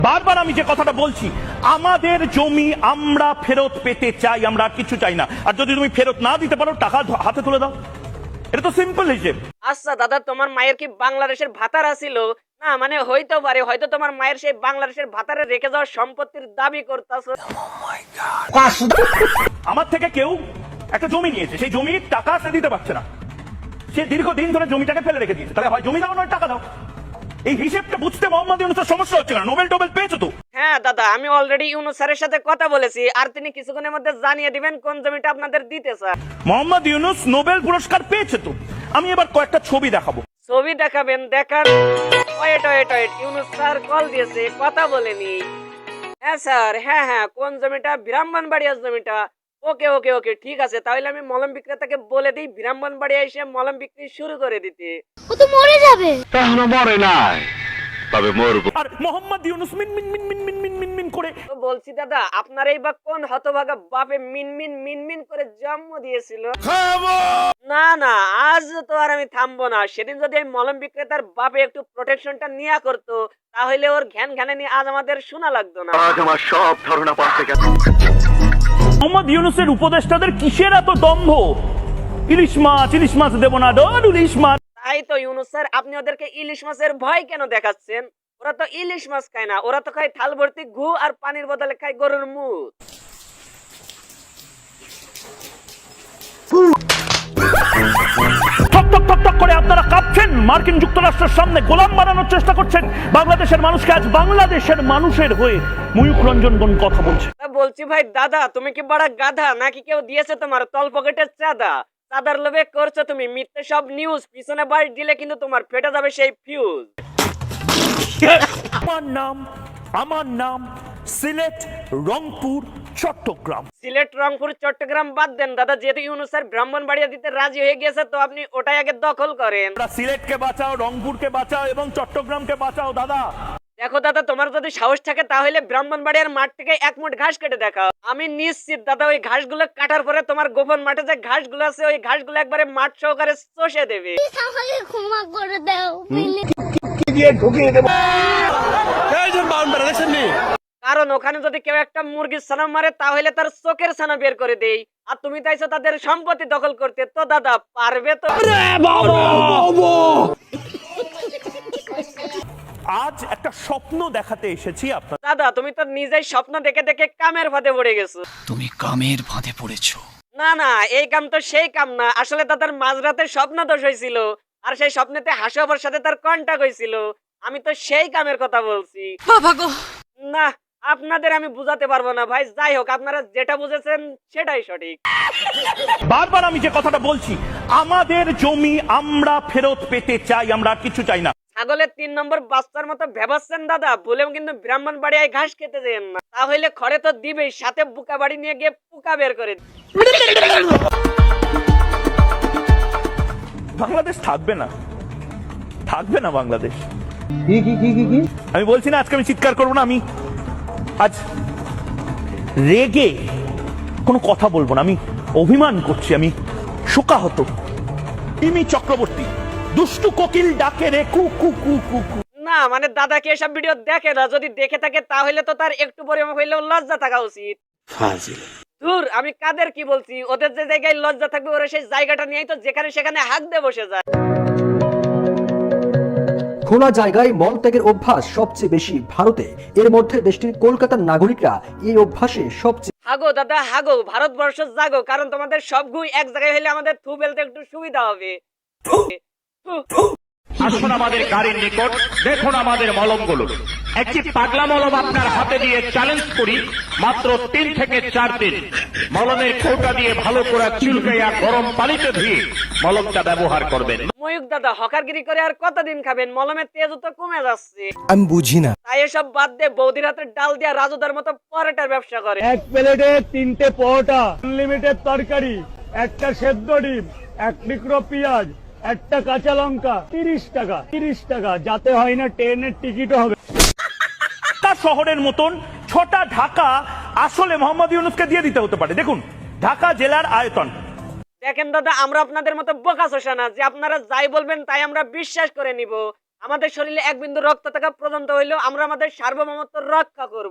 বারবার আমি যে কথাটা বলছি, আমাদের জমি আমরা ফেরত পেতে চাই, আমরা আর কিছু চাই না। আর যদি তুমি ফেরত না দিতে পারো, টাকা হাতে তুলে দাও। এটা তো সিম্পল হিসেব। আচ্ছা দাদা, তোমার মায়ের কি বাংলাদেশের ভাতারা ছিল? না মানে হইতে পারে, হয়তো তোমার মায়ের সেই বাংলাদেশের ভাতারে রেখে যাওয়া সম্পত্তির দাবি করতেছো। আমার থেকে কেউ একটা জমি নিয়েছে, সেই জমির টাকা সে দিতে পারছে না, সে দীর্ঘদিন ধরে জমিটাকে ফেলে রেখে দিয়েছে। তাহলে হয় জমি দাও নয় টাকা দাও। এই হিসেবটা বুঝতে মোহাম্মদ ইউনূসের সমস্যা হচ্ছে না। নোবেল টোবেল পেয়েছো তো? হ্যাঁ দাদা, আমি অলরেডি ইউনূস স্যারের সাথে কথা বলেছি, আর তিনি কিছুক্ষণের মধ্যে জানিয়ে দিবেন কোন জমিটা আপনাদের দিতে স্যার। মোহাম্মদ ইউনূস নোবেল পুরস্কার পেয়েছে তো। আমি এবার কয়েকটা ছবি দেখাবো। ছবি দেখাবেন? দেখান। Wait wait wait, Yunus sir call দিয়েছে, কথা বলেনি। হ্যাঁ স্যার, হ্যাঁ হ্যাঁ, কোন জমিটা? ব্রাহ্মণবাড়িয়ার জমিটা। ওকে ওকে ওকে, ঠিক আছে, তাহলে আমি মলম বিক্রেতাকে বলে দিই ব্রাহ্মণবাড়িয়া এসে মলম বিক্রি শুরু করে দিতে। ও তো মরে যাবে। এখনো মরে নাই, তবে মরবো। আর মোহাম্মদ ইউনূস মিন মিন মিন মিন মিন মিন মিন মিন করে। তো বলছি দাদা, আপনার এই বা কোন হতভাগা বাপে মিনমিন মিনমিন করে জন্ম দিয়েছিল? না না, আজ তো আর আমি থামবো না। সেদিন যদি আমি মলম বিক্রেতার বাপে একটু প্রোটেকশনটা নিয়ে করতো, তাহলে ওর ঘ্যান ঘ্যানানি আজ আমাদের শোনা লাগতো না। আজ আমার সব ধারণা পাল্টে গেছে। মোহাম্মদ ইউনূসের উপদেষ্টাদের কিসের এত দম্ভ? ইলিশ মাছ দেবো না, ডন ইলিশ মাছ। তাই তো ইউনূস স্যার, আপনি ওদেরকে ইলিশ মাছের ভয় কেন দেখাচ্ছেন? ওরা তো ইলিশ মাছ খায় না, ওরা তো খায় থাল ভর্তি ঘু আর পানির বদলে খায় গরুর মুখ। ঠক ঠক ঠক ঠক করে আপনারা কাঁপছেন, মার্কিন যুক্তরাষ্ট্রের সামনে গোলাম বানানোর চেষ্টা করছেন বাংলাদেশের মানুষকে। আজ বাংলাদেশের মানুষের হয়ে ময়ূখ রঞ্জন বোন কথা বলছে। বলছি ভাই দাদা, তুমি কি বড় গাধা নাকি কেউ দিয়েছে তোমার তল পকেটের চাঁদা? চাঁদার লোভে করছো তুমি মিথ্যে সব নিউজ, পিছনে বাড়ি দিলে কিন্তু তোমার ফেটে যাবে সেই ফিউজ। আমার নাম সিলেট, রংপুর, চট্টগ্রাম। সিলেট, রংপুর, চট্টগ্রাম বাদ দেন দাদা, যেহেতু ইউনূস স্যার ব্রাহ্মণবাড়িয়া দিতে রাজি হয়ে গেছে, তো আপনি ওটাই আগে দখল করেন। সিলেটকে বাঁচাও, রংপুরকে বাঁচাও এবং চট্টগ্রামকে বাঁচাও। দাদা দেখো দাদা, তোমার যদি সাহস থাকে তাহলে ব্রাহ্মণবাড়িয়ার মাঠ থেকে এক মুঠ ঘাস কেটে দেখাও। আমি নিশ্চিত দাদা, ওই ঘাসগুলো কাটার পরে তোমার গোপন মাঠে যে ঘাসগুলো আছে, ওই ঘাসগুলো একবারে মাঠ সহকারে চষে দেবে। আমাকে ক্ষমা করে দাও প্লিজ। কারণ ওখানে যদি কেউ একটা মুরগির ছানা মারে, তাহলে তার চোখের ছানা বের করে দেই। আর তুমি চাইছো তাদের সম্পত্তি দখল করতে, তো দাদা পারবে তো? আজ একটা স্বপ্ন দেখাতে এসেছি আপনার। দাদা তুমি তো নিজেই স্বপ্ন দেখে দেখে কামের ফাঁদে পড়ে গেছো। তুমি কামের ফাঁদে পড়েছো। না না, এই কাম তো সেই কাম না। আসলে দাদার মাঝরাতে স্বপ্ন দোষ হয়েছিল, আর সেই স্বপ্নেতে হাসিবার সাথে তার কন্টাক্ট হয়েছিল। আমি তো সেই কামের কথা বলছি। বাবা গো, না, আপনাদের আমি বুঝাতে পারবো না ভাই। যাই হোক, আপনারা যেটা বুঝেছেন সেটাই সঠিক। বারবার আমি যে কথাটা বলছি, আমাদের জমি আমরা ফেরত পেতে চাই, আমরা আর কিছু চাই না। ছাগলের 3 নম্বর বাচ্চার মতো ভেবাচ্ছেন দাদা, বলেও কিন্তু ব্রাহ্মণবাড়িয়ায় ঘাস খেতে দেন না, তাহলে খড়ে তো দিবেই, সাথে বুকা বাড়ি নিয়ে গিয়ে পুকা বের করে দিবে। বাংলাদেশ থাকবে না, থাকবে না বাংলাদেশ। আমি বলছি না আজকে আমি চিৎকার করবো না, আমি আজ রেগে কোনো কথা বলবো না। আমি অভিমান করছি, আমি শোকাহত। ইমি চক্রবর্তী দুষ্টু কোকিল ডাকে রে কু কু কু কু কু। না মানে দাদা কি এসব ভিডিও দেখে না? যদি দেখে থাকে তাহলে তো তার একটু পরিমাণ হইলেও লজ্জা থাকা উচিত। দূর, আমি কাদের কি বলছি? ওদের যে জায়গায় লজ্জা থাকবে, ওরা সেই জায়গাটা নিয়েই তো যেখানে সেখানে হাঁক দিয়ে বসে যায়। খোলা জায়গায় মলত্যাগের অভ্যাস সবচেয়ে বেশি ভারতে। এর মধ্যে দেশটির কলকাতার নাগরিকরা এই অভ্যাসে সবচেয়ে। হাগো দাদা হাগো, ভারতবর্ষ জাগো, কারণ তোমাদের সব গুই এক জায়গায় হলে আমাদের থু ফেলতে একটু সুবিধা হবে। আসুন আমাদের গাড়ির নিকট, দেখুন আমাদের মলমগুলো। একটি পাগলা মলম আপনার হাতে দিয়ে চ্যালেঞ্জ করি, মাত্র 3 থেকে 4 দিন মলমের কৌটা দিয়ে ভালো করে চুলকাইয়া গরম পানিতে ধুয়ে মলমটা ব্যবহার করবেন। ময়ূক দাদা হকারগিরি করে আর কতদিন খাবেন? মলমের তেজ তো কমে যাচ্ছে। আমি বুঝি না। তাই এসব বাদ দিয়ে বৌদির হাতে ডাল দিয়া রাজুদার মতো পরোটার ব্যবসা করে। এক প্লেটে 3টে পরোটা, আনলিমিটেড তরকারি, একটা সেদ্ধ ডিম, 1 টুকরো পেঁয়াজ, একটা কাঁচা লঙ্কা, 30 টাকা। 30 টাকা, যাতে হয় না ট্রেনের টিকিটও হবে। শহরের মতন 6টা ঢাকা আসলে মোহাম্মদ ইউনূসকে দিয়ে দিতে হতে পারে। দেখুন ঢাকা জেলার আয়তন। দেখেন দাদা, আমরা আপনাদের মতো বোকা শোষা না যে আপনারা যাই বলবেন তাই আমরা বিশ্বাস করে নিব। আমাদের শরীরে এক বিন্দু রক্ত থাকা পর্যন্ত হইলেও আমরা আমাদের সার্বভৌমত্ব রক্ষা করব।